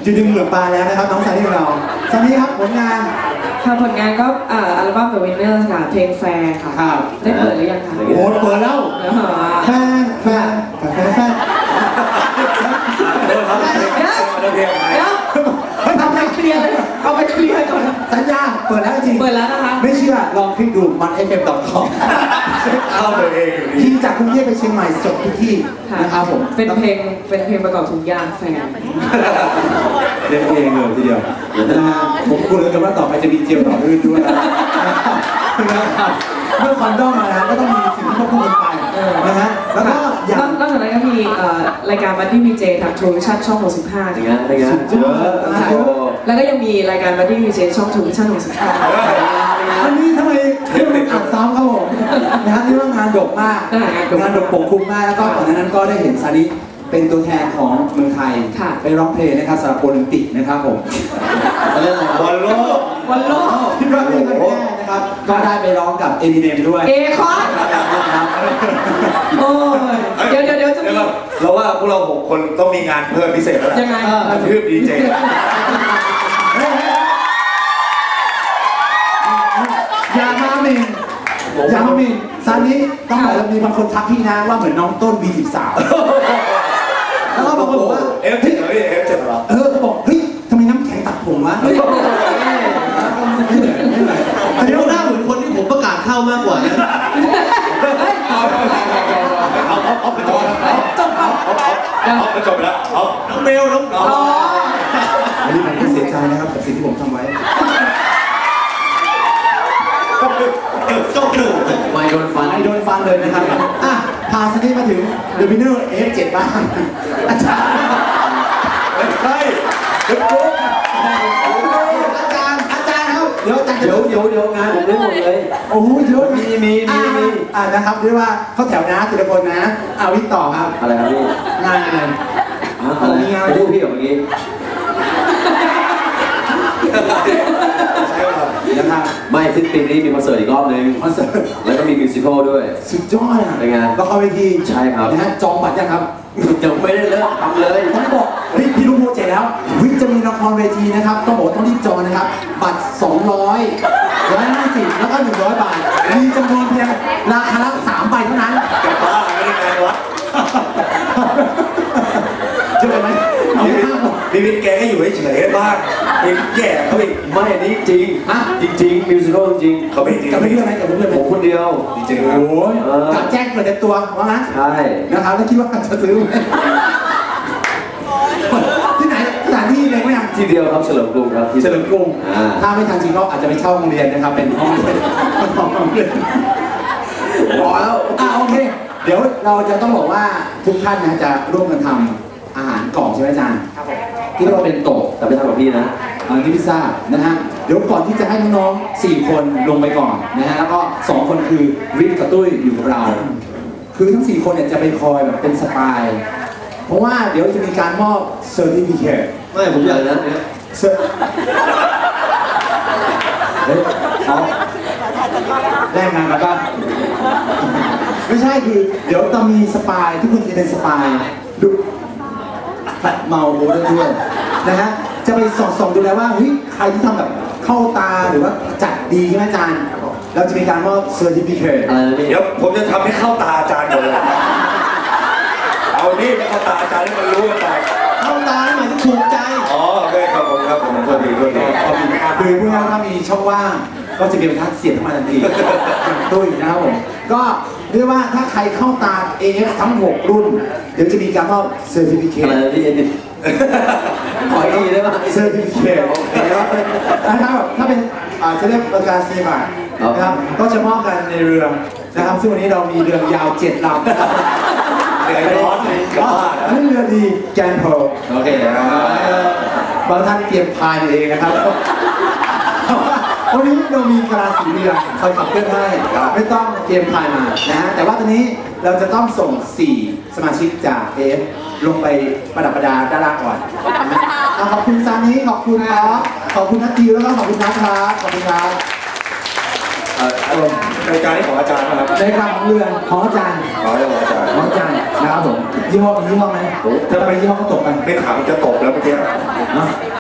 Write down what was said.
จุดดึงเหลือปลาแล้วนะครับน้องซานี่ของเราซานี่ครับผลงานค่ะผลงานก็อัลบั้ม The Winner ค่ะเพลงแฟร์ค่ะได้เปิดหรือยังคะโอ้เปิดแล้วแฟนเดี๋ยวทำอะไรเคลียร์เลยเอาไปเคลียร์ก่อนสัญญาเปิดแล้วจริงเปิดแล้วนะคะไม่เชื่อลองคลิกดูmanfm.com เข้าไปเองอยู่ดีที่จากกรุงเทพไปเชียงใหม่สดทุกที่นะครับผมเป็นเพลงประกอบทุกอย่างแฟนเล่นเองเลยทีเดียวผมพูดเลยกันว่าต่อไปจะมีเจียวต่อรื่นด้วยนะครับเมื่อคอนดอมมาแล้วก็ต้องมีสิ่งที่ควบคู่กันไปนะฮะแล้วก็อย่างนอกจากนั้นก็มีรายการบัดดี้วีเจทางทูวิชั่นช่อง65 อย่างเงี้ยแล้วก็ยังมีรายการบัดดี้วีเจช่องทูวิชั่น65 อันนี้ทำไมอ่านซ้ำครับผมนะฮะนี่ว่างานดกมากงานดกปกคลุมมากแล้วก็ก่อนหน้านั้นก็ได้เห็นซานิเป็นตัวแทนของเมืองไทยไปร้องเพลงนะครับสำหรับโอลิมปิกนะครับผมเล่นอะไรบอลโลกที่ร้องเพลงกันแน่นะครับก็ได้ไปร้องกับเอมิเนมด้วยคอนโอ้ยเดี๋ยวจะมีเราว่าพวกเรา6 คนต้องมีงานเพิ่มพิเศษแล้วยังไงคือดีเจอย่ามาหมิ่นซานิต้องบอกว่ามีบางคนทักพี่นะว่าเหมือนน้องต้น B13 แล้วก็บางคนบอกว่า F7 เหรอพี่ F7 เหรอเขาบอกเฮ้ยทำไมน้ำแข็งตัดผมวะอันนี้หน้าเหมือนคนที่ผมประกาศเข้ามากกว่านะเอาไปจบแล้วน้องเบลน้องอันนี้ผมก็เสียใจนะครับกับสิ่งที่ผมทำไว้จบหนึ่งไม่โดนฟันเลยนะครับพาซานิมาถึง The Winner F7 บ้างอาจารย์ครับเดี๋ยวงานผมได้หมดเลยโอ้โหเยอะมีนะครับเรียกว่าเขาแถวนะทีละคนนะวิทย์ต่อครับอะไรครับพี่งานอะไรมีงานพูดพี่กับเมื่อกี้นะครับไม่สิ้นปีนี้มีคอนเสิร์ตอีกรอบนึงแล้วก็มีมิวสิควลด้วยสุดยอดเป็นไงละครเวทีใช่ครับนะฮะจองบัตรยังครับยังไม่ได้เริ่มทำเลยต้องบอกพี่รู้โปรเจกต์แล้วจะมีละครเวทีนะครับต้องบอกต้องรีบจองนะครับบัตร200 150แล้วก็100 บาทมีจำนวนเพียงราคาละ3 ใบเท่านั้นแต่บ้าไม่ได้ไงวะจะไปไหมเอาไม่ห้ามพี่วิทย์แกก็อยู่เฉยๆบ้างแย่เขาอีกไม่อันนี้จริงจริงมิวสิควลจริงเขาไม่จริงกับเรื่องไหมกับเรื่องผมคนเดียวจริงโอ้ยกับแจ้งเปิดในตัวว่างั้นใช่นะครับแล้วคิดว่าจะซื้อที่ไหนสถานที่เลยไหมยังที่เดียวครับเฉลิมกรุงครับเฉลิมกรุงถ้าไม่ทันจริงก็อาจจะไปเช่าโรงเรียนนะครับเป็นห้องเรียนพอแล้วโอเคเดี๋ยวเราจะต้องบอกว่าทุกท่านนะจะร่วมกันทำอาหารกล่องใช่ไหมอาจารย์ที่เราเป็นโต๊ะแต่ไม่ทำกับพี่นะนี่พิซซ่านะฮะเดี๋ยวก่อนที่จะให้น้องๆ4 คนลงไปก่อนนะฮะแล้วก็2 คนคือวิทย์กับตุ้ยอยู่กับเราคือทั้ง4 คนเนี่ยจะไปคอยแบบเป็นสปายเพราะว่าเดี๋ยวจะมีการมอบเซอร์ติฟิเคตไม่ผมอยากนะเนี่ยเขาแลกงานกันป่ะไม่ใช่คือเดี๋ยวจะมีสปายทุกคนจะเป็นสปายดูเมาโบได้ด้วยนะฮะจะไปส่องดูแลว่าเฮ้ยใครที่ทำแบบเข้าตาหรือว่าจัดดีใช่ไหมอาจารย์เราจะมีการมอบเซอร์ติฟิเคตเดี๋ยวผมจะทำให้เข้าตาอาจารย์ก่อนเลยเอานี่ไม่เข้าตาอาจารย์ให้มันรู้กันไปเข้าตาหมายถึงถูกใจโอเคครับผมโทษทีคือเพื่อถ้ามีช่องว่างก็จะมีบรรทัดเสียบเข้ามาทันทีอย่างตุ้ยนะครับผมก็เรียกว่าถ้าใครเข้าตา AF ทั้ง6 รุ่นเดี๋ยวจะมีการมอบเซอร์ติฟิเคตอะไรที่ขออีกได้ไหมเซอร์ติฟิเคตนะครับถ้าเป็นจะเรียกประกาศนียบัตรนะครับก็จะมอบกันในเรือนะครับซึ่งวันนี้เรามีเรือยาว7 ลำเรือร้อนนั่นเรือดีแกนเพลโอเคบางท่านเตรียมพายเองนะครับวันนี้เรามีกระสีเรือคอยขับเคลื่อนให้ไม่ต้องเตรียมพายมานะฮะแต่ว่าตอนนี้เราจะต้องส่ง4 สมาชิกจากAFลงไปประดับประดาด้านล่างก่อนขอบคุณซานิขอบคุณขอบคุณนัททิวแล้วก็ขอบคุณนัทครับขอบคุณครับรายการนี้ของอาจารย์นะครับในการของเรือของอาจารย์ของอาจารย์ของอาจารย์นะครับผมยี่ห้อไหมถ้าไปยี่ห้อก็ตกไปไม่ถามจะตบแล้วเมื่อกี้นะ